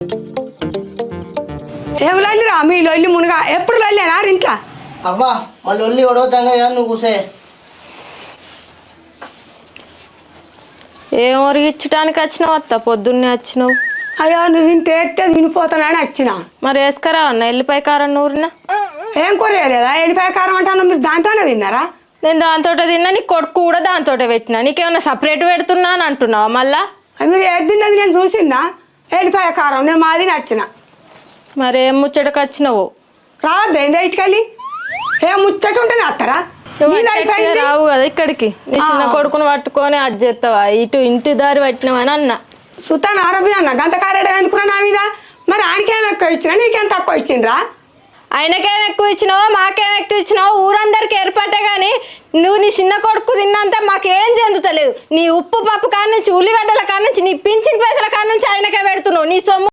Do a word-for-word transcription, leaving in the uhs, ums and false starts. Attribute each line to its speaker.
Speaker 1: ఏం లొల్లిరా మీ లొల్లి మునుగా ఎప్పుడు లొల్లేనా ఇంట్లో
Speaker 2: అవ్వా మా లొల్లి ఒడవుతాం కదా నువ్వు కూసే
Speaker 3: ఏం ఒరిగించడానికి వచ్చినావు అత్త పొద్దున్నే వచ్చినావు
Speaker 1: అయ్యో నువ్వు ఇంత ఎత్తే తినిపోతానని వచ్చిన
Speaker 3: మరి వేసుకరా అన్న ఎల్లిపాయ కారం నూరినా
Speaker 1: ఏం కొరియలేదా ఎడిపాయ కారం అంటాను మీరు దాంతోనే తిన్నారా
Speaker 3: నేను దాంతో తిన్నా నీ కొడుకు కూడా దాంతో పెట్టినా నీకేమన్నా సపరేట్ పెడుతున్నా అని అంటున్నావా మళ్ళా
Speaker 1: మీరు ఏది తిన్నది నేను చూసిందా ఎడిపాయ కారం నేను మాది నచ్చిన
Speaker 3: మరి ఏం ముచ్చటకు వచ్చినావు
Speaker 1: రావద్దా ఏందా ఇటుకెళ్ళి ఏం ముచ్చట ఉంటేనే వస్తారా
Speaker 3: రావు కదా ఇక్కడికి నీ చిన్న కొడుకుని పట్టుకొని అది చేస్తావా ఇటు ఇంటి దారి పట్టినావని అన్న
Speaker 1: సుతాన్ ఆరోగ్యం అన్న గంత కారేడ అనుకున్నా నా మీద మరి ఆయనకేం ఎక్కువ ఇచ్చినా నీకేం తక్కువ ఇచ్చిండ్రా
Speaker 3: ఆయనకేం ఎక్కువ ఇచ్చినావో మాకేం ఎక్కువ ఇచ్చినావో ఊరందరికి ఏర్పడ్డా కానీ నువ్వు నీ చిన్న కొడుకు తిన్నంత మాకేం చెందుతలేదు నీ ఉప్పు పప్పు కాడ నుంచి ఉల్లిగడ్డల కాడ నుంచి నీ పింఛన్ పైసల కాడ నుంచి ఆయనకే పెడుతున్నావు నీ సొమ్ము